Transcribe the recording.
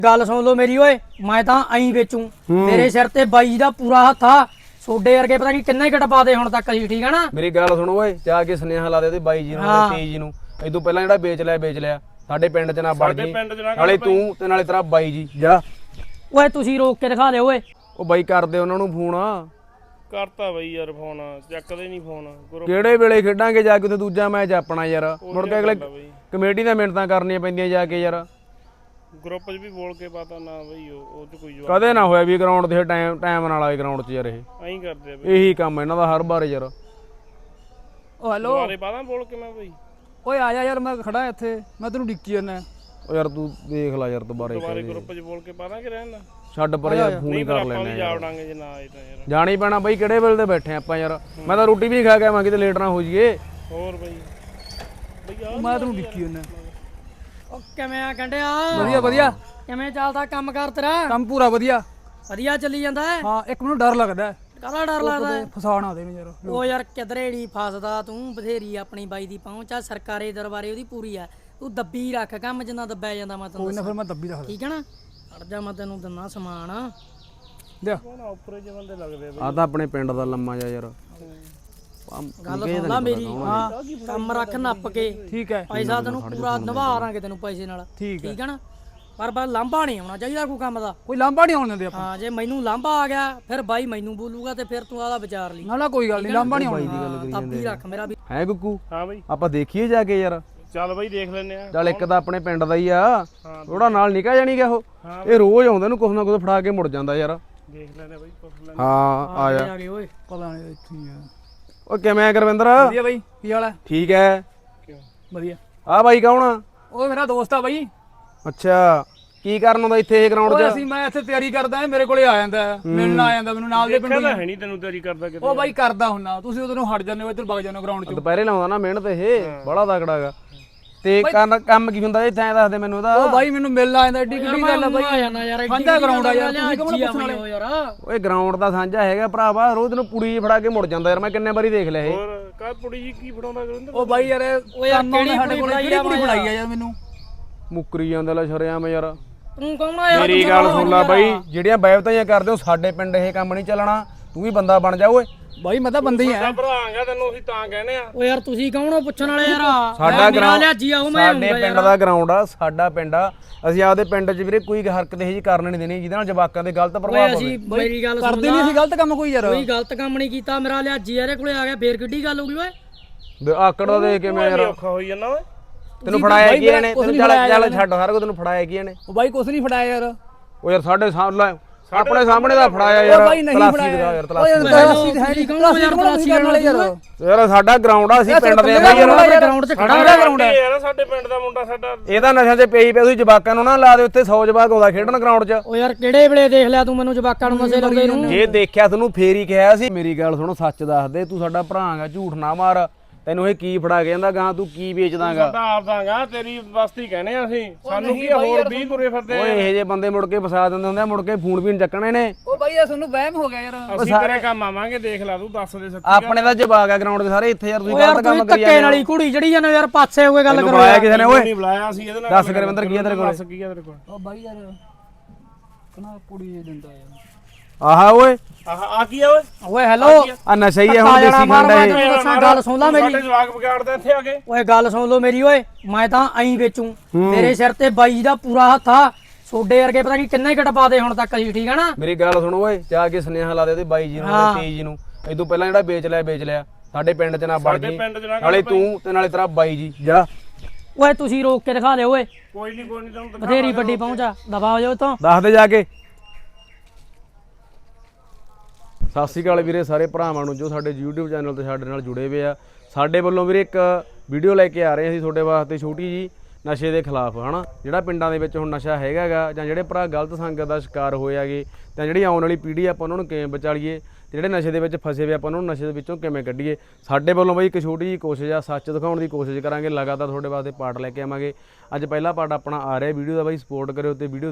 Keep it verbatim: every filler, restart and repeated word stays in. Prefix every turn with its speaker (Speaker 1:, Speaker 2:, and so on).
Speaker 1: गल सुन लो मेरी ओए, मैं तां ऐं बेचूं तेरे सिर ते बाई दा पूरा हत्थ आ। सोडे वर्गे पता नहीं किन्ने घट पा दे हुण तक असीं, ठीक है ना।
Speaker 2: मेरी गल सुनो ओए, जा के सुनेहा ला दे ओहदे बाई जी ਨੂੰ ਤੇ ਤੇਈ ਜੀ ਨੂੰ। ਇਹ ਤੋਂ ਪਹਿਲਾਂ ਜਿਹੜਾ ਵੇਚ ਲਿਆ ਵੇਚ ਲਿਆ, ਸਾਡੇ ਪਿੰਡ 'ਚ ਨਾ ਵੜ ਜੀ, ਨਾਲੇ ਤੂੰ ਤੇ ਨਾਲੇ ਤੇਰਾ ਬਾਈ ਜੀ। ਜਾ
Speaker 1: ਓਏ ਤੁਸੀਂ ਰੋਕ ਕੇ ਦਿਖਾ ਦਿਓ ਓਏ।
Speaker 2: ਉਹ ਬਾਈ ਕਰਦੇ ਉਹਨਾਂ ਨੂੰ ਫੋਨ।
Speaker 3: ਕਰਤਾ ਬਈ ਯਾਰ ਫੋਨ, ਚੱਕਦੇ ਨਹੀਂ ਫੋਨ।
Speaker 2: ਕਿਹੜੇ ਵੇਲੇ ਖੇਡਾਂਗੇ ਜਾ ਕੇ ਉੱਥੇ ਦੂਜਾ ਮੈਚ ਆਪਣਾ ਯਾਰ, ਮੁੜ ਕੇ ਅਗਲੇ ਕਮੇਟੀ ਦੀਆਂ ਮਿਹਨਤਾਂ ਕਰਨੀਆਂ ਪੈਂਦੀਆਂ ਜਾ ਕੇ ਯਾਰ।
Speaker 3: ਗਰੁੱਪ 'ਚ ਵੀ ਬੋਲ ਕੇ ਪਤਾ ਨਾ ਬਈ ਉਹ 'ਚ ਕੋਈ ਜਵਾਬ
Speaker 2: ਕਦੇ ਨਾ ਹੋਇਆ ਵੀ ਗਰਾਊਂਡ ਤੇ ਟਾਈਮ ਟਾਈਮ ਨਾਲ ਆਏ ਗਰਾਊਂਡ 'ਚ ਯਾਰ। ਇਹ
Speaker 3: ਐਂ ਕਰਦੇ ਆ ਬਈ,
Speaker 2: ਇਹੀ ਕੰਮ ਇਹਨਾਂ ਦਾ ਹਰ ਵਾਰ ਯਾਰ।
Speaker 4: ਓ ਹੈਲੋ
Speaker 3: ਦੁਬਾਰੇ ਪਾਦਾ ਬੋਲ ਕੇ ਮੈਂ ਬਈ।
Speaker 4: ਓਏ ਆ ਜਾ ਯਾਰ, ਮੈਂ ਖੜਾ ਇੱਥੇ, ਮੈਂ ਤੈਨੂੰ ਡਿੱਕੀ ਜਾਂਦਾ।
Speaker 2: ਉਹ ਯਾਰ ਤੂੰ ਦੇਖ ਲੈ ਯਾਰ ਦੁਬਾਰੇ
Speaker 3: ਦੁਬਾਰੇ ਗਰੁੱਪ 'ਚ ਬੋਲ ਕੇ ਪਾਦਾ ਕਿ ਰਹਿਣ ਦਾ।
Speaker 2: ਛੱਡ ਪਰ ਯਾਰ, ਫੋਨ ਹੀ ਕਰ
Speaker 3: ਆਪਾਂ
Speaker 2: ਲੈਣੇ
Speaker 3: ਵੀ ਜਾਵੜਾਂਗੇ ਜੇ ਨਾ ਆਏ ਤਾਂ ਯਾਰ।
Speaker 2: ਜਾਣੀ ਪੈਣਾ ਬਈ, ਕਿਹੜੇ ਵੇਲੇ ਤੇ ਬੈਠੇ ਆਪਾਂ ਯਾਰ। ਮੈਂ ਤਾਂ ਰੋਟੀ ਵੀ ਨਹੀਂ ਖਾ ਕੇ ਆਵਾਂ, ਕਿਤੇ ਲੇਟ ਨਾ ਹੋ ਜਾਈਏ।
Speaker 3: ਹੋਰ ਬਈ ਬਈ ਆ
Speaker 4: ਮੈਂ ਤੈਨੂੰ ਡਿੱਕੀ ਜਾਂਦਾ।
Speaker 1: ਓ ਕਿਵੇਂ ਆ ਗੰਡਿਆ?
Speaker 4: ਵਧੀਆ ਵਧੀਆ,
Speaker 1: ਕਿਵੇਂ ਚੱਲਦਾ ਕੰਮ ਕਰ ਤੇਰਾ?
Speaker 4: ਕੰਮ ਪੂਰਾ ਵਧੀਆ।
Speaker 1: ਵਧੀਆ ਚੱਲੀ ਜਾਂਦਾ ਹੈ।
Speaker 4: ਹਾਂ ਇੱਕ ਮੈਨੂੰ ਡਰ ਲੱਗਦਾ,
Speaker 1: ਕਾਹਦਾ ਡਰ ਲੱਗਦਾ ਹੈ?
Speaker 4: ਫਸਾਣਾ ਦੇ ਨੂੰ ਯਾਰ।
Speaker 1: ਓ ਯਾਰ ਕਿਧਰੇ ਨਹੀਂ ਫਸਦਾ ਤੂੰ, ਬਥੇਰੀ ਆਪਣੀ ਬਾਈ ਦੀ ਪਹੁੰਚ ਆ, ਸਰਕਾਰੀ ਦਰਬਾਰੇ ਉਹਦੀ ਪੂਰੀ ਆ। ਤੂੰ ਦੱਬੀ ਰੱਖ ਕੰਮ, ਜਿੰਨਾ ਦੱਬਿਆ ਜਾਂਦਾ ਮੈਂ ਤੈਨੂੰ
Speaker 4: ਕੋਈ ਨਾ ਫਿਰ ਮੈਂ ਦੱਬੀ ਰੱਖਦਾ।
Speaker 1: ਠੀਕ ਹੈ ਨਾ। ਅੜ ਜਾ, ਮੈਂ ਤੈਨੂੰ ਦਿੰਨਾ ਸਮਾਨ।
Speaker 4: ਲਿਆ
Speaker 3: ਨਾ ਉੱਪਰੇ ਜਿਹੇ ਬੰਦੇ ਲੱਗਦੇ ਆ ਬਈ।
Speaker 2: ਆ ਤਾਂ ਆਪਣੇ ਪਿੰਡ ਦਾ ਲੰਮਾ ਜਾ ਯਾਰ।
Speaker 1: ਗੱਲ ਸੁਣ ਲਾ ਮੇਰੀ, ਹਾਂ ਕੰਮ ਰੱਖ ਨੱਪ ਕੇ,
Speaker 4: ਠੀਕ ਹੈ
Speaker 1: ਪੈਸਾ ਤੈਨੂੰ ਪੂਰਾ ਨਿਭਾਵਾਂਗੇ ਤੈਨੂੰ ਪੈਸੇ ਨਾਲ,
Speaker 4: ਠੀਕ ਹੈ
Speaker 1: ਠੀਕ ਹੈ ਨਾ। ਪਰ ਬਸ ਲਾਂਭਾ ਨਹੀਂ ਆਉਣਾ ਚਾਹੀਦਾ ਕੋਈ ਕੰਮ ਦਾ।
Speaker 4: ਕੋਈ ਲਾਂਭਾ ਨਹੀਂ ਆਉਣ ਦਿੰਦੇ ਆਪਾਂ।
Speaker 1: ਹਾਂ ਜੇ ਮੈਨੂੰ ਲਾਂਭਾ ਆ ਗਿਆ ਫਿਰ ਬਾਈ ਮੈਨੂੰ ਬੋਲੂਗਾ ਤੇ ਫਿਰ ਤੂੰ ਆਦਾ ਵਿਚਾਰ ਲਈ।
Speaker 4: ਨਾ ਨਾ ਕੋਈ ਗੱਲ ਨਹੀਂ, ਲਾਂਭਾ ਨਹੀਂ ਆਉਣ ਦਿੰਦੇ।
Speaker 1: ਤਾਪੀ ਰੱਖ ਮੇਰਾ ਵੀ।
Speaker 2: ਹੈ ਗੁੱਗੂ,
Speaker 3: ਹਾਂ ਬਈ
Speaker 2: ਆਪਾਂ ਦੇਖੀਏ ਜਾ ਕੇ ਯਾਰ।
Speaker 3: ਚੱਲ ਬਈ ਦੇਖ ਲੈਨੇ ਆ।
Speaker 2: ਚੱਲ ਇੱਕ ਤਾਂ ਆਪਣੇ ਪਿੰਡ ਦਾ ਹੀ ਆ, ਥੋੜਾ ਨਾਲ ਨਿਕਾ ਜਾਣੀ ਗਾ ਉਹ। ਇਹ ਰੋਜ਼ ਆਉਂਦਾ, ਨੂੰ ਕੁਛ ਨਾ ਕੁਛ ਫੜਾ ਕੇ ਮੁੜ ਜਾਂਦਾ ਯਾਰ।
Speaker 3: ਦੇਖ ਲੈਨੇ ਬਈ, ਪੁੱਛ ਲੈਨੇ।
Speaker 2: ਹਾਂ ਆ ਜਾ।
Speaker 1: ਆ ਗਏ ਓਏ।
Speaker 4: ਪਤਾ ਨਹੀਂ ਇੱਥੇ ਹੀ ਆ।
Speaker 2: ਉਹ ਕਿਵੇਂ ਆ ਗੁਰਵਿੰਦਰ?
Speaker 4: ਵਧੀਆ ਬਾਈ, ਕੀ ਹਾਲ ਹੈ?
Speaker 2: ਠੀਕ ਹੈ।
Speaker 3: ਕਿਉਂ
Speaker 4: ਵਧੀਆ।
Speaker 2: ਆ ਬਾਈ ਕੌਣ ਆ?
Speaker 4: ਉਹ ਮੇਰਾ ਦੋਸਤ ਆ ਬਾਈ।
Speaker 2: ਅੱਛਾ, ਕੀ ਕਰਨ ਆਉਂਦਾ ਇੱਥੇ ਇਹ ਗਰਾਊਂਡ
Speaker 4: ਓਏ
Speaker 2: 'ਚ?
Speaker 4: ਅਸੀਂ ਮੈਂ ਇੱਥੇ ਤਿਆਰੀ ਕਰਦਾ, ਮੇਰੇ ਕੋਲੇ ਆ ਜਾਂਦਾ, ਮਿਲਣ ਆ ਜਾਂਦਾ ਮੈਨੂੰ, ਨਾਲ ਦੇ ਪਿੰਡ
Speaker 3: ਕਹਿੰਦਾ ਹੈ ਨਹੀਂ ਤੈਨੂੰ ਤੇਰੀ ਕਰਦਾ ਕਿਤੇ।
Speaker 4: ਉਹ ਬਾਈ ਕਰਦਾ ਹੁੰਨਾ, ਤੁਸੀਂ ਉਧਰੋਂ ਹਟ ਜਾਂਦੇ ਹੋ, ਇੱਧਰ ਵਗ ਜਾਂਦੇ ਹੋ ਗਰਾਊਂਡ 'ਚ।
Speaker 2: ਦੁਪਹਿਰੇ ਲਾਉਂਦਾ ਨਾ ਮਿਹਨਤ, ਇਹ ਬੜਾ ਤਕੜਾ ਗਾ। ਤੇ ਕੰਮ ਕੰਮ ਕੀ ਹੁੰਦਾ ਇੱਥੇ, ਐਂ ਦੱਸ ਦੇ ਮੈਨੂੰ ਇਹਦਾ।
Speaker 4: ਉਹ ਬਾਈ ਮੈਨੂੰ ਮਿਲਣ ਆ ਜਾਂਦਾ, ਏਡੀ ਕਿੱਡੀ ਗੱਲ ਆ ਬਾਈ।
Speaker 1: ਆ ਜਾਣਾ ਯਾਰ,
Speaker 4: ਸਾਂਝਾ ਗਰਾਊਂਡ ਆ ਯਾਰ, ਤੁਸੀਂ ਕੌਣ ਪੁੱਛਣ ਵਾਲੇ?
Speaker 1: ਯਾਰ
Speaker 2: ਓਏ ਗਰਾਊਂਡ ਦਾ ਸਾਂਝਾ ਹੈਗਾ ਭਰਾਵਾ, ਰੋਜ਼ ਨੂੰ ਪੁੜੀ ਫੜਾ ਕੇ ਮੁੜ ਜਾਂਦਾ ਯਾਰ। ਮੈਂ ਕਿੰਨੇ ਵਾਰੀ ਦੇਖ ਲਿਆ ਇਹ।
Speaker 3: ਹੋਰ ਕਾ ਪੁੜੀ ਜੀ ਕੀ ਫੜਾਉਂਦਾ ਗੁਰਿੰਦਰ?
Speaker 4: ਉਹ ਬਾਈ ਯਾਰ
Speaker 1: ਉਹ ਯਾਰ ਕਿਹੜੀ
Speaker 4: ਸਾਡੇ ਕੋਲ
Speaker 1: ਕੁੜੀ
Speaker 4: ਕਿਹੜੀ ਕੁੜੀ ਬਣਾਈ ਆ ਯਾਰ ਮੈਨੂੰ।
Speaker 2: ਮੁੱਕਰੀ ਜਾਂਦੇ ਲੈ ਸ਼ਰਿਆਮ ਯਾਰ।
Speaker 1: ਤੂੰ ਕੌਣ ਆ ਯਾਰ?
Speaker 2: ਮੇਰੀ ਗੱਲ ਸੁਣ ਲੈ ਬਾਈ, ਜਿਹੜੀਆਂ ਬੈਵਤਾਈਆਂ ਕਰਦੇ ਹੋ ਸਾਡੇ ਪਿੰਡ ਇਹ ਕੰਮ ਨਹੀਂ ਚੱਲਣਾ। ਤੂੰ ਵੀ ਬੰਦਾ ਬਣ ਜਾ ਓਏ।
Speaker 4: ਬਾਈ ਮੈਂ ਤਾਂ ਬੰਦੇ ਹੀ ਆ।
Speaker 3: ਭਰਾਂਗਾ ਤੈਨੂੰ ਅਸੀਂ ਤਾਂ ਕਹਿੰਦੇ ਆ।
Speaker 1: ਓ ਯਾਰ ਤੁਸੀਂ ਕੌਣ ਹੋ ਪੁੱਛਣ ਵਾਲੇ ਯਾਰ?
Speaker 2: ਸਾਡਾ ਗਰਾਊਂਡ,
Speaker 1: ਲਿਆਜੀ ਆਉ ਮੈਂ
Speaker 2: ਸਾਡੇ ਪਿੰਡ ਦਾ ਗਰਾਊਂਡ ਆ, ਸਾਡਾ ਪਿੰਡ ਆ। ਅਸੀਂ ਆਪਦੇ ਪਿੰਡ 'ਚ ਵੀਰੇ ਕੋਈ ਹਰਕਤ ਇਹ ਜੀ ਕਰਨ ਨਹੀਂ ਦੇਣੀ ਜਿਹਦੇ ਨਾਲ ਜਵਾਕਾਂ ਦੇ ਗਲਤ ਪ੍ਰਭਾਵ ਪਵੇ।
Speaker 1: ਅਸੀਂ ਮੇਰੀ ਗੱਲ ਸੁਣ
Speaker 4: ਕਰਦੇ ਨਹੀਂ ਸੀ ਗਲਤ ਕੰਮ ਕੋਈ ਯਾਰ।
Speaker 1: ਕੋਈ ਗਲਤ ਕੰਮ ਨਹੀਂ ਕੀਤਾ। ਮੇਰਾ ਲਿਆਜੀ ਇਹਦੇ ਕੋਲੇ ਆ ਗਿਆ, ਫੇਰ ਕਿੱਡੀ ਗੱਲ ਹੋ ਗਈ ਓਏ?
Speaker 2: ਆਕੜ ਦਾ ਦੇਖ ਕੇ ਮੈਂ ਯਾਰ
Speaker 3: ਔਖਾ ਹੋਈ ਜਾਂਦਾ ਓਏ।
Speaker 2: ਤੈਨੂੰ ਫੜਾਇਆ ਕੀ ਇਹਨੇ? ਤੈਨੂੰ ਚੱਲ ਚੱਲ ਛੱਡ ਸਾਰਾ ਕੁਝ, ਤੈਨੂੰ ਫੜਾਇਆ ਕੀ ਇਹਨੇ?
Speaker 4: ਉਹ ਬਾਈ ਕੁਛ ਨਹੀਂ ਫੜਾਇਆ ਯਾਰ।
Speaker 2: ਉਹ ਯਾਰ ਸਾਡੇ ਸਾਹਮਣੇ ਆਪਣੇ ਸਾਹਮਣੇ ਦਾ ਫੜਾਇਆ ਯਾਰ।
Speaker 4: ਉਹ ਬਾਈ ਨਹੀਂ ਫੜਾਇਆ
Speaker 2: ਯਾਰ,
Speaker 4: ਓਏ
Speaker 2: ਤਲਾਸ਼ੀ
Speaker 4: ਤਲਾਸ਼ੀ ਹੈ ਨਹੀਂ, ਤਲਾਸ਼ੀ ਕੋਲ ਕਰਨ ਵਾਲੇ ਯਾਰ।
Speaker 2: ਯਾਰ ਸਾਡਾ ਗਰਾਊਂਡ ਆ, ਅਸੀਂ ਪਿੰਡ ਦੇ ਬਾਈ ਯਾਰ।
Speaker 1: ਗਰਾਊਂਡ 'ਚ ਖੜਾ
Speaker 3: ਸਾਡਾ ਗਰਾਊਂਡ ਹੈ ਯਾਰ, ਸਾਡੇ ਪਿੰਡ ਦਾ ਮੁੰਡਾ ਸਾਡਾ।
Speaker 2: ਇਹਦਾ ਨਸ਼ਿਆਂ 'ਚ ਪਈ ਪਿਆ, ਤੁਸੀਂ ਜਵਾਕਾਂ ਨੂੰ ਨਾ ਲਾ ਦੇ ਉੱਥੇ। ਸੌ ਜਵਾਕ ਆਉਂਦਾ ਖੇਡਣ ਗਰਾਊਂਡ 'ਚ।
Speaker 1: ਓ ਯਾਰ ਕਿਹੜੇ ਵੇਲੇ ਦੇਖ ਲਿਆ ਤੂੰ ਮੈਨੂੰ ਜਵਾਕਾਂ ਨੂੰ ਨਸ਼ੇ ਲਾਉਂਦੇ ਨੂੰ?
Speaker 2: ਜੇ ਦੇਖਿਆ ਤੈਨੂੰ ਫੇਰ ਹੀ ਕਿਹਾ ਸੀ। ਮੇਰੀ ਗੱਲ ਸੁਣੋ, ਸੱਚ ਦੱਸ ਦੇ, ਤੂੰ ਸਾਡਾ ਭਰਾ ਹੈਗਾ, ਝੂਠ ਨਾ ਮਾਰ। ਤੈਨੂੰ ਇਹ ਕੀ ਫੜਾ ਕੇ ਜਾਂਦਾ ਗਾਂ, ਤੂੰ ਕੀ ਵੇਚਦਾਗਾ?
Speaker 3: ਸਾਡਾ ਆਪ ਦਾਂਗਾ, ਤੇਰੀ ਬਸਤੀ ਕਹਿੰਦੇ ਆ ਅਸੀਂ। ਸਾਨੂੰ ਕੀ ਹੋਰ ਵੀਹ ਤੁਰੇ ਫਿਰਦੇ ਆ।
Speaker 2: ਓਏ ਇਹੋ ਜਿਹੇ ਬੰਦੇ ਮੁੜ ਕੇ ਫਸਾ ਦਿੰਦੇ ਹੁੰਦੇ ਆ, ਮੁੜ ਕੇ ਫੋਨ ਵੀ ਨੀ ਚੱਕਣੇ ਨੇ।
Speaker 4: ਉਹ ਬਾਈ ਯਾਰ ਤੁਹਾਨੂੰ ਵਹਿਮ ਹੋ ਗਿਆ ਯਾਰ।
Speaker 3: ਅਸੀਂ ਤੇਰੇ ਕੰਮ ਆਵਾਂਗੇ, ਦੇਖ ਲੈ ਤੂੰ, ਦੱਸ ਦੇ ਸੱਚੀ।
Speaker 2: ਆਪਣੇ ਦਾ ਜਵਾਕ ਆ ਗਰਾਊਂਡ ਦੇ ਸਾਰੇ ਇੱਥੇ ਯਾਰ। ਤੁਸੀਂ
Speaker 1: ਓ ਯਾਰ
Speaker 2: ਗਲਤ ਕੰਮ
Speaker 1: ਤੂੰ
Speaker 2: ਕਰੀ
Speaker 1: ਧੱਕੇ ਨਾਲ ਹੀ ਕੁੜੀ ਜਿਹੜੀ ਜਾਂਦੇ ਯਾਰ, ਪਾਸੇ ਹੋ ਕੇ ਗੱਲ ਕਰੋ
Speaker 2: ਬੁਲਾਇਆ ਕਿਸੇ ਨੇ ਓਏ?
Speaker 3: ਨਹੀਂ ਬੁਲਾਇਆ ਸੀ ਇਹਦੇ ਨਾਲ।
Speaker 2: ਦੱਸ ਗੁਰਵਿੰਦਰ ਕੀ ਆ ਤੇਰੇ ਕੋਲ?
Speaker 3: ਦੱਸ ਕੀ ਆ ਤੇਰੇ ਕੋਲ?
Speaker 4: ਉਹ ਬਾਈ ਯਾਰ ਕਨਾ ਕੁੜੀ ਇਹ ਦਿੰਦਾ ਯਾਰ।
Speaker 2: ਆਹਾ ਓਏ,
Speaker 3: ਆਹ ਆ ਕੀ ਆ ਓਏ?
Speaker 1: ਓਏ ਹੈਲੋ,
Speaker 2: ਆ ਨਸ਼ਾ ਹੀ ਆ ਹੁਣ, ਦੇਸੀ ਖੰਡ ਹੈ ਇਹ।
Speaker 1: ਦੱਸਾਂ ਗੱਲ ਸੁਣ ਲਾ ਮੇਰੀ।
Speaker 3: ਸਾਡੇ ਜਵਾਕ ਵਿਗਾੜਦਾ ਇੱਥੇ ਆ ਕੇ।
Speaker 1: ਓਏ ਗੱਲ ਸੁਣ ਲੋ ਮੇਰੀ ਓਏ, ਮੈਂ ਤਾਂ ਐਂ ਵੇਚੂੰ ਤੇਰੇ ਸਿਰ ਤੇ ਬਾਈ ਦਾ ਪੂਰਾ ਹੱਥ ਆ। ਸੋਡੇ ਵਰਗੇ ਪਤਾ ਨਹੀਂ ਕਿੰਨੇ ਘਟ ਪਾ ਦੇ ਹੁਣ ਤੱਕ ਅਸੀਂ, ਠੀਕ ਹੈ ਨਾ।
Speaker 2: ਮੇਰੀ ਗੱਲ ਸੁਣੋ ਓਏ, ਜਾ ਕੇ ਸੁਨੇਹਾ ਲਾ ਦੇ ਉਹਦੇ ਬਾਈ ਜੀ ਨੂੰ ਤੇ ਤੇਈ ਜੀ ਨੂੰ। ਇਹ ਤੋਂ ਪਹਿਲਾਂ ਜਿਹੜਾ ਵੇਚ ਲਿਆ ਵੇਚ ਲਿਆ, ਸਾਡੇ ਪਿੰਡ 'ਚ ਨਾ ਵੜ ਜੀ, ਨਾਲੇ ਤੂੰ ਤੇ ਨਾਲੇ ਤੇਰਾ ਬਾਈ ਜੀ। ਜਾ
Speaker 1: ਓਏ ਤੁਸੀਂ ਰੋਕ ਕੇ ਦਿਖਾ ਦਿਓ ਓਏ।
Speaker 3: ਕੋਈ ਨਹੀਂ ਕੋਈ ਨਹੀਂ, ਤੈਨੂੰ
Speaker 1: ਬਥੇਰੀ ਵੱਡੀ ਪਹੁੰਚਾ, ਦਬਾ ਹੋ ਜਾਓ ਤੋਂ।
Speaker 2: ਦੱਸ ਦੇ ਜਾ ਕੇ। ਸਤਿ ਸ਼੍ਰੀ ਅਕਾਲ ਵੀਰੇ ਸਾਰੇ ਭਰਾਵਾਂ ਨੂੰ ਜੋ ਸਾਡੇ YouTube ਚੈਨਲ ਤੇ ਸਾਡੇ ਨਾਲ ਜੁੜੇ ਹੋਏ ਆ। ਸਾਡੇ ਵੱਲੋਂ ਵੀਰੇ ਇੱਕ ਵੀਡੀਓ ਲੈ ਕੇ ਆ ਰਹੇ ਅਸੀਂ ਤੁਹਾਡੇ ਵਾਸਤੇ, ਛੋਟੀ ਜੀ, ਨਸ਼ੇ ਦੇ ਖਿਲਾਫ, ਹਨਾ। ਜਿਹੜਾ ਪਿੰਡਾਂ ਦੇ ਵਿੱਚ ਹੁਣ ਨਸ਼ਾ ਹੈਗਾ ਗਾ, ਜਾਂ ਜਿਹੜੇ ਭਰਾ ਗਲਤ ਸੰਗਤ ਦਾ ਸ਼ਿਕਾਰ ਹੋਏ ਹੈਗੇ, ਤਾਂ ਜਿਹੜੀ ਆਉਣ ਵਾਲੀ ਪੀੜ੍ਹੀ ਆਪਾਂ ਉਹਨਾਂ ਨੂੰ ਕਿਵੇਂ ਬਚਾਲੀਏ, ਤੇ ਜਿਹੜੇ ਨਸ਼ੇ ਦੇ ਵਿੱਚ ਫਸੇ ਹੋਏ ਆਪਾਂ ਉਹਨਾਂ ਨੂੰ ਨਸ਼ੇ ਦੇ ਵਿੱਚੋਂ ਕਿਵੇਂ ਕੱਢੀਏ। ਸਾਡੇ ਵੱਲੋਂ ਬਈ ਇੱਕ ਛੋਟੀ ਜੀ ਕੋਸ਼ਿਸ਼ ਆ, ਸੱਚ ਦਿਖਾਉਣ ਦੀ ਕੋਸ਼ਿਸ਼ ਕਰਾਂਗੇ। ਲਗਾਤਾਰ ਤੁਹਾਡੇ ਵਾਸਤੇ ਪਾਰਟ ਲੈ ਕੇ ਆਵਾਂਗੇ। ਅੱਜ ਪਹਿਲਾ ਪਾਰਟ ਆਪਣਾ ਆ ਰਿਹਾ ਵੀਡੀਓ ਦਾ, ਬਾਈ ਸਪੋਰਟ ਕਰਿਓ ਤੇ ਵੀਡੀਓ